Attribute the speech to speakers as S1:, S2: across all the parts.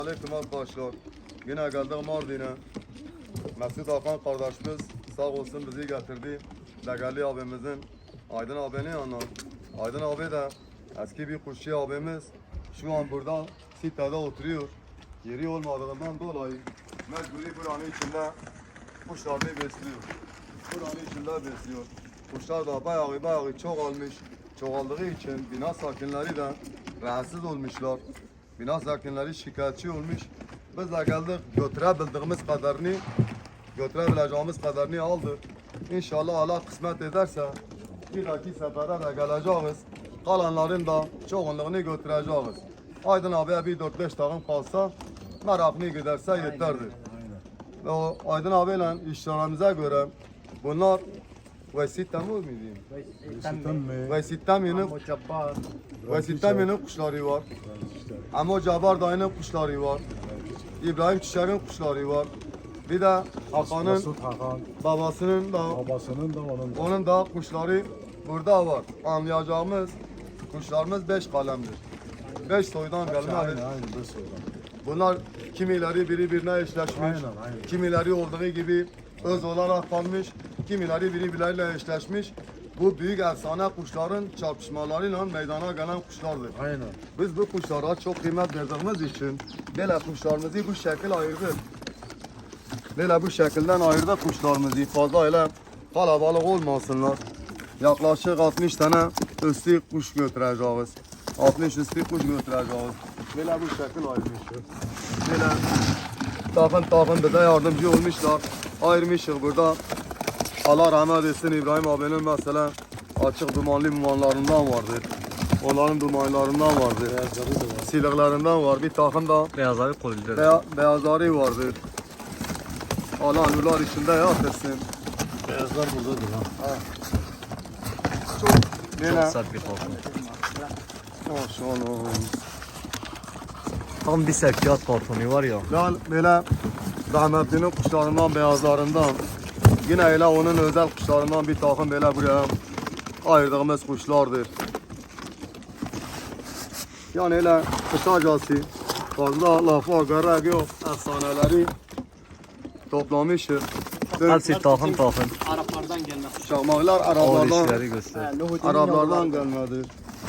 S1: Aleyküm arkadaşlar. Yine geldik Mardin'e. Mesut Hakan kardeşimiz sağ olsun bizi getirdi. Değerli abimizin Aydın abinin yanına. Aydın abi de eski bir kuşçu abimiz. Şu an burada sitede oturuyor. Yeri olmadığından dolayı mecburi buranın içinde kuşlarını besliyor. Buranın içinde besliyor. Kuşlar da bayağı çok almış. Çoğaldığı için bina sakinleri de rahatsız olmuşlar. Bina sakinleri şikayetçi olmuş. Biz de geldik götürebildiğimiz kadarını, götürebileceğimiz kadarını aldık. İnşallah Allah kısmet ederse bir dahaki sefere de geleceğiz. Kalanların da çoğunluğunu götüreceğiz. Aydın abiye bir 4-5 takım kalsa merakını giderse yeterdir. Ve o Aydın abiyle işlerimize göre bunlar Vesit Temur mu diyeyim? Vesit Temir'in Vesit Temir'in kuşları var. Amo Cabbar dayının kuşları var. İbrahim Çiçek'in kuşları var. Bir de Hakan'ın babasının da onun da kuşları burada var. Anlayacağımız kuşlarımız 5 kalemdir. 5 soydan gelme. Bunlar kimileri birbirine eşleşmiş. Kimileri olduğu gibi öz olarak kalmış. Kimileri birbirleriyle eşleşmiş. Bu büyük efsane kuşların çarpışmalarıyla meydana gelen kuşlardır.
S2: Aynen.
S1: Biz bu kuşlara çok kıymet verdiğimiz için böyle kuşlarımızı bu şekil ayırdık. Böyle bu şekilden ayırdık kuşlarımızı. Fazla öyle kalabalık olmasınlar. Yaklaşık 60 tane üstü kuş götüreceğiz. 60 üstü kuş götüreceğiz. Böyle bu şekil ayırmışız. Böyle takım bize yardımcı olmuşlar. Ayırmışız burada. Allah rahmet etsin İbrahim abinin mesela açık dumanlarından vardır. Onların dumanlarından vardır. Siliklarından var. Bir takım da
S3: Beyazları kolide.
S1: beyazları vardır. Allah nurlar içinde yat etsin.
S2: Beyazlar buradadır ha.
S1: Çok
S3: Çok sert bir korku.
S1: Maşallah.
S3: Tam bir sevkiyat kartonu var ya.
S1: Yani böyle rahmetlinin kuşlarından, beyazlarından yine öyle onun özel kuşlarından bir takım böyle buraya ayırdığımız kuşlardır. Yani öyle kısacası fazla lafa gerek yok. Efsaneleri toplamışız.
S3: Hepsi takım.
S4: Araplardan gelme.
S1: Şahmaklar
S3: Ağır
S1: Araplardan,
S3: işleri göster.
S1: Araplardan gelmedir.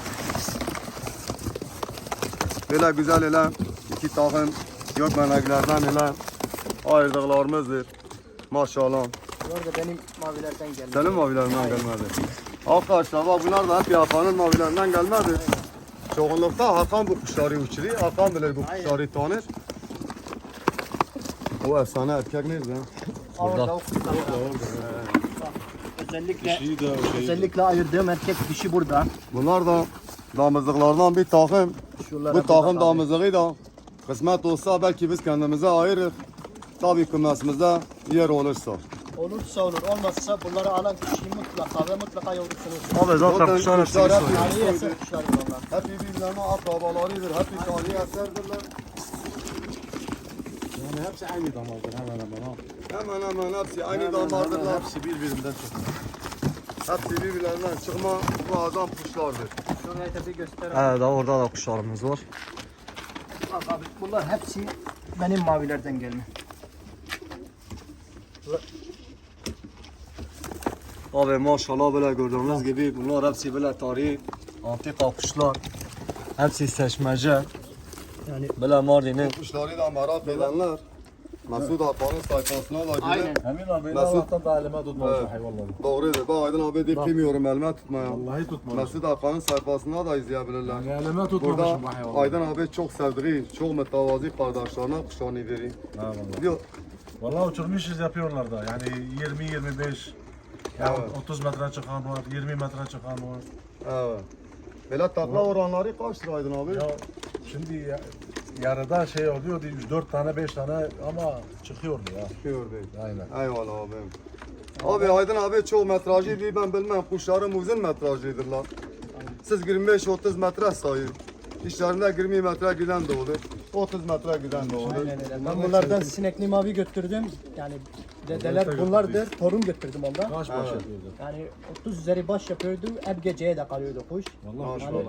S1: Böyle güzel öyle iki takım gökmeneklerden öyle ayırdıklarımızdır. Maşallah.
S4: Bu arada benim mavilerden gelme.
S1: Senin mavilerinden gelmedi. Arkadaşlar bak bunlar da hep yapanın mavilerinden gelmedi. Çoğunlukta Hakan bu kuşları uçuruyor. Hakan bile bu kuşları tanır. O efsane erkek nerede?
S4: Orada özellikle ayırdığım erkek dişi burada.
S1: Bunlar da damızlıklardan bir takım.
S4: Şuralara
S1: Bu takım
S4: bak abi.
S1: damızlığı da kısmet olsa belki biz kendimize ayırır. Tabii kümesimizde yer olursa.
S4: Olursa olur, olmazsa bunları alan kişiyi mutlaka yoğurursunuz.
S3: Abi zaten kuşlar hepsi bir soy.
S4: Tarihi eser kuşlar bunlar.
S1: Hep birbirlerine akrabalarıdır. Hep bir tarihi eserdirler.
S2: Yani hepsi aynı damardır hemen hemen ha.
S1: Hemen hepsi aynı damardırlar.
S2: Hepsi birbirinden çok.
S1: Hepsi birbirlerinden çıkma bu adam kuşlardır.
S4: Şuraya da bir gösterelim.
S3: Evet daha orada da kuşlarımız var.
S4: Bak abi, bunlar hepsi benim mavilerden gelme.
S3: Abi maşallah böyle gördüğünüz gibi bunlar hepsi böyle tarihi antika kuşlar. Hepsi seçmece.
S4: Yani
S3: Böyle Mardin'in
S1: Kuşları da merak edenler Mesut Hakan'ın sayfasına da
S4: aynen.
S1: gidip
S2: Emin abi
S1: Mesut-
S2: Allah'tan da elime tutmaz
S1: Evet.
S2: bu hayvanları.
S1: doğrudur. Ben Aydın abi deyip bilmiyorum elime tutmaya.
S2: Vallahi tutmaz.
S1: Mesut Hakan'ın sayfasına da izleyebilirler.
S2: Yani elime
S1: Burada
S2: tutmamışım bu hayvanları.
S1: Aydın abi çok sevdiği, çok mütevazi kardeşlerine kuşlarını veriyor.
S2: Ha vallahi.
S1: Diyor,
S2: Vallahi uçurmuşuz yapıyorlar da. Yani 20-25 ya
S1: Evet.
S2: 30 metre çıkan var, 20 metre çıkan var.
S1: evet. Böyle takla oranları kaçtır Aydın abi?
S2: Ya şimdi yarıda şey oluyordu 4 tane 5 tane ama çıkıyordu ya.
S1: Çıkıyor değil.
S2: Aynen.
S1: Eyvallah abim. Abi Aydın abi çok metrajlı değil ben bilmem. Kuşlarım uzun metrajlıdırlar. Siz 25-30 metre sayın. İşlerinde 20 metre giden de olur. 30 metre giden de olur.
S4: Aynen öyle. Ben bunlardan sinekli mavi götürdüm. Yani dedeler bunlardır. Torun götürdüm ondan.
S2: Kaç baş yapıyordu?
S4: Yani 30 üzeri baş yapıyordu. Hep geceye de kalıyordu kuş.
S2: Vallahi
S1: Maşallah.
S4: Yani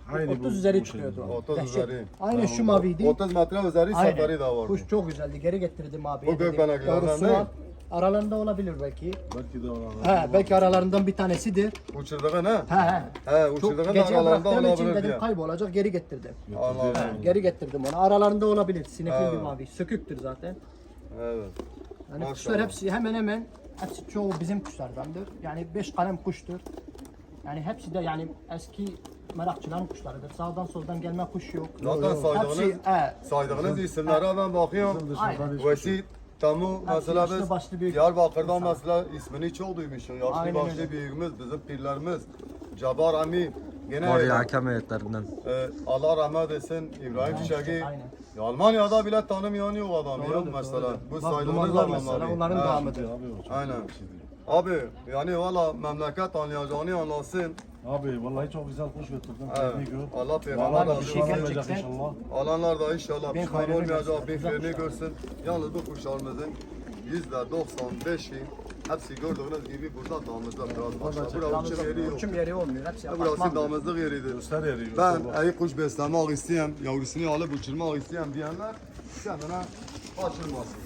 S2: Aynı
S4: 30
S2: bu
S4: üzeri
S2: şey.
S4: çıkıyordu.
S1: 30
S4: Dehşet.
S1: üzeri.
S4: Aynen şu maviydi.
S1: 30 metre üzeri
S4: Aynen.
S1: safari da var.
S4: Kuş çok güzeldi. Geri getirdim abi.
S1: Bu gökbeneklerden
S4: Yavrusunu
S1: değil.
S4: al. Aralarında olabilir belki.
S2: Belki de ona.
S4: He, belki aralarından bir tanesidir.
S1: Uçurduğun ha?
S4: He.
S1: He
S4: Çok
S1: uçurduğun
S4: gece
S1: aralarında
S4: bıraktığım için
S1: olabilir
S4: dedim
S1: diye.
S4: kaybolacak, geri getirdim.
S1: Allah'ım.
S4: Geri getirdim onu. Aralarında olabilir. Sinekli bir
S1: Evet.
S4: mavi. Söküktür zaten.
S1: Evet.
S4: Yani
S1: Maşallah.
S4: kuşlar hepsi hemen hemen hepsi çoğu bizim kuşlardandır. Yani 5 kalem kuştur. Yani hepsi de yani eski merakçıların kuşlarıdır. Sağdan soldan gelme kuş yok.
S1: Zaten saydığınız,
S4: he,
S1: saydığınız isimlere ben bakıyorum.
S4: aynen.
S1: Vesit, Tamu mesela
S4: yaşlı
S1: biz
S4: başlı büyük
S1: Diyarbakır'dan
S4: insan.
S1: mesela ismini çok duymuşuz. Yaşlı
S4: Aynen
S1: başlı
S4: öyle.
S1: büyüğümüz, bizim pirlerimiz. Cabar Ami. Gene
S3: Var ya hakem heyetlerinden.
S1: Allah rahmet etsin İbrahim Çiçek'i.
S4: Aynen.
S1: Ya Almanya'da bile tanımayan yok adamı ya
S4: Doğrudur,
S1: mesela.
S4: doğrudur.
S1: Bu
S4: Bak,
S1: saydığınız
S4: dumanlar mesela
S1: adamlar.
S4: onların
S1: He.
S4: devamıdır.
S2: Abi o çok
S1: Aynen.
S2: güzel bir şeydi.
S1: Abi yani valla memleket anlayacağını anlasın.
S2: Abi vallahi çok güzel kuş götürdün.
S1: Evet.
S2: Tebrik ol.
S1: Allah peygamber
S2: Vallahi
S1: razı
S2: bir
S4: şey
S2: şey
S1: olsun.
S2: olmayacak
S4: gerçekten-
S2: inşallah.
S1: Alanlar da inşallah
S4: Bin
S1: pişman
S4: hayrını
S1: olmayacak,
S4: görsün.
S1: bin
S4: Güzel
S1: fiyrini
S4: kuşlar.
S1: görsün. Yalnız bu kuşlarımızın %95'i hepsi gördüğünüz gibi burada damızda biraz başlar. Burası uçum yeri yok.
S4: Uçum yeri olmuyor. Hepsi
S1: Burası
S4: apartman.
S1: damızlık yeridir.
S2: Göster yeri.
S1: Ben
S2: göster bak.
S1: iyi kuş beslemek isteyen, yavrusunu alıp uçurmak isteyen diyenler kendine kaçırmasın.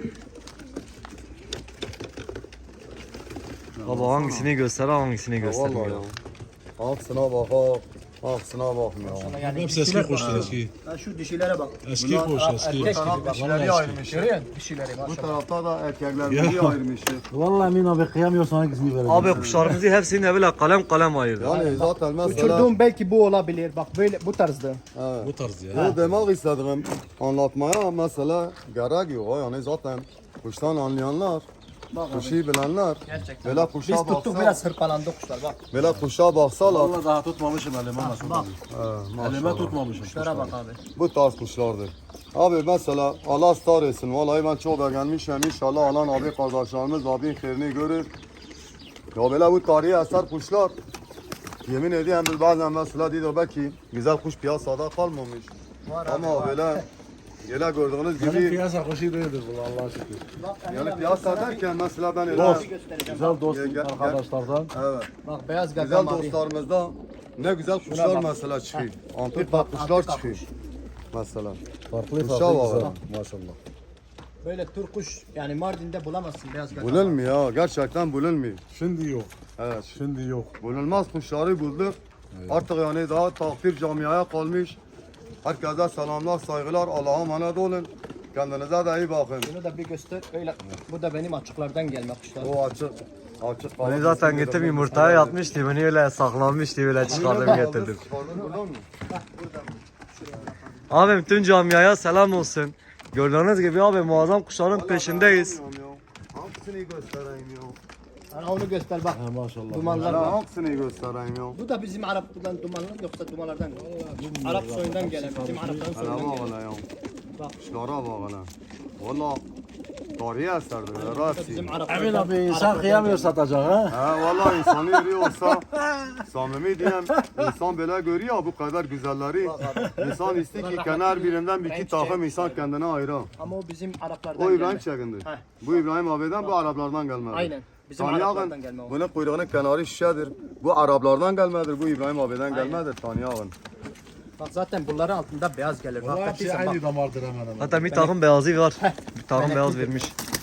S3: Baba hangisini göster hangisini
S1: Vallahi
S3: göstermiyor.
S1: ya. Aksına bak, aksına bakmıyor.
S4: Yani
S2: Hepsi eski
S4: dişiler-
S2: kuşlar eski.
S4: Ha, şu dişilere bak.
S2: Eski kuş eski.
S4: erkek
S1: Bu taraf
S4: gibi bak.
S1: dişileri
S2: Vallahi
S1: ayırmış.
S4: Görüyor musun dişileri
S1: Bu
S4: maşallah.
S1: tarafta da erkekler
S2: Ya.
S1: biri ayırmış.
S2: Vallahi Emin abi kıyamıyorsan hangisini vereceğim?
S3: Abi kuşlarımızı hepsini böyle kalem kalem ayırdı.
S1: Yani zaten mesela...
S4: Uçurduğum belki bu olabilir. Bak böyle bu tarzda.
S1: Evet.
S2: Bu tarz ya.
S1: Bu demek istediğim anlatmaya mesela gerek yok. Yani zaten kuştan anlayanlar,
S4: Bak
S1: kuşu bilenler,
S4: Gerçekten.
S1: böyle kuşa
S4: Biz tuttuk
S1: baksa,
S4: biraz hırpalandı kuşlar bak.
S1: böyle kuşa baksalar,
S2: Vallahi daha tutmamışım elime nasıl
S4: Bak
S2: Elime
S1: maşallah.
S2: tutmamışım.
S4: kuşlara bak abi.
S1: Bu tarz kuşlardır. Abi mesela Allah star etsin. Vallahi ben çok beğenmişim. İnşallah alan abi kardeşlerimiz abinin khairini görür. Ya böyle bu tarihi eser kuşlar. Yemin ediyorum biz bazen mesela diyor belki güzel kuş piyasada kalmamış.
S4: Var abi,
S1: Ama
S4: var.
S1: böyle gördüğünüz
S2: Benim
S1: gibi
S2: piyasa kuşu değildir bu Allah'a şükür.
S4: Bak,
S1: yani piyasa derken mesela ben öyle
S2: Dost.
S4: göstereceğim.
S2: Güzel dost
S1: Gel, gel, gel.
S2: arkadaşlardan.
S1: evet.
S4: Bak beyaz
S1: Güzel
S4: gaddam abi.
S1: dostlarımızda ne güzel kuşlar
S4: bak.
S1: mesela çıkıyor. Antik
S4: bak,
S1: kuşlar
S4: antika
S1: çıkıyor.
S4: kuş.
S1: Mesela.
S2: Farklı
S1: Kuşa
S2: farklı
S1: bak
S2: güzel.
S1: ha.
S2: Maşallah.
S4: Böyle turkuş yani Mardin'de bulamazsın beyaz gaddam.
S1: Bulunmuyor, gerçekten bulunmuyor.
S2: Şimdi yok.
S1: Evet.
S2: Şimdi yok.
S1: Bulunmaz kuşları bulduk. Artık yani daha takdir camiaya kalmış. Herkese selamlar, saygılar. Allah'a emanet olun. Kendinize de iyi bakın.
S4: Bunu da bir göster. Öyle. Bu da benim açıklardan gelme kuşlar.
S1: O açık. Açık.
S3: Beni zaten getirdim yumurtaya yatmıştı. Beni öyle saklanmıştı. Öyle çıkardım getirdim.
S1: Buradan mı?
S3: Abim tüm camiaya selam olsun. Gördüğünüz gibi abi muazzam kuşların peşindeyiz.
S1: Hangisini göstereyim ya?
S4: Ana onu göster bak.
S2: Ha, maşallah.
S4: Dumanlar
S1: Ben
S4: var.
S1: hangisini göstereyim ya?
S4: Bu da bizim Arap'tan dumanlar yoksa dumanlardan. Arap soyundan gelen. Bizim Arapların
S1: Hele
S4: soyundan
S1: bak
S4: gelen.
S1: hele ya.
S4: Bak.
S1: Kuşlara bak hele. Valla tarihi eserdir.
S4: Bu da
S1: Rasi.
S4: bizim Arap
S2: Emin
S4: soyundan-
S2: abi insan
S4: Araplardan
S2: kıyamıyor
S4: gelen.
S2: satacak ha.
S1: He valla insanı yeri olsa samimi diyeyim insan böyle görüyor bu kadar güzelleri. İnsan istiyor ki kenar birinden bir iki takım insan kendine ayıra.
S4: Ama o bizim Araplardan
S1: O İbrahim
S4: gelme.
S1: Çekin'dir.
S4: Heh.
S1: Bu İbrahim abiden bu Araplardan gelmedi.
S4: Aynen. Bizim
S1: Tanıyakın,
S4: Araplardan gelme o.
S1: bunun kuyruğunun kenarı şişedir. Bu Araplardan gelmedir. Bu İbrahim abiden gelmedir. Tanıyakın.
S4: Bak zaten bunların altında beyaz gelir. Bak
S2: Vallahi hepsi
S4: hepsi bak.
S2: aynı damardır hemen hemen.
S3: Hatta bir takım beyazı var. Bir takım beyaz vermiş.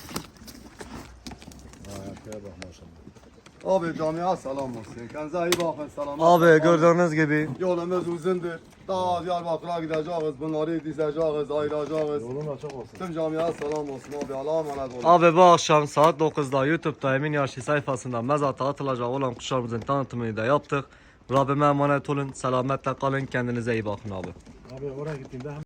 S2: Şuraya bak maşallah.
S1: Abi camiye selam olsun. Kendinize iyi bakın. Selam.
S3: Abi gördüğünüz gibi
S1: Yolumuz uzundur. Daha Diyarbakır'a gideceğiz. Bunları dizeceğiz, ayıracağız.
S2: Yolun açık olsun.
S1: Tüm camiye selam olsun abi. Allah'a emanet olun.
S3: abi bu akşam saat 9'da YouTube'da Emin Yaşı sayfasında mezata atılacak olan kuşlarımızın tanıtımını da yaptık. Rabbime emanet olun. Selametle kalın. Kendinize iyi bakın abi.
S2: Abi oraya gittiğimde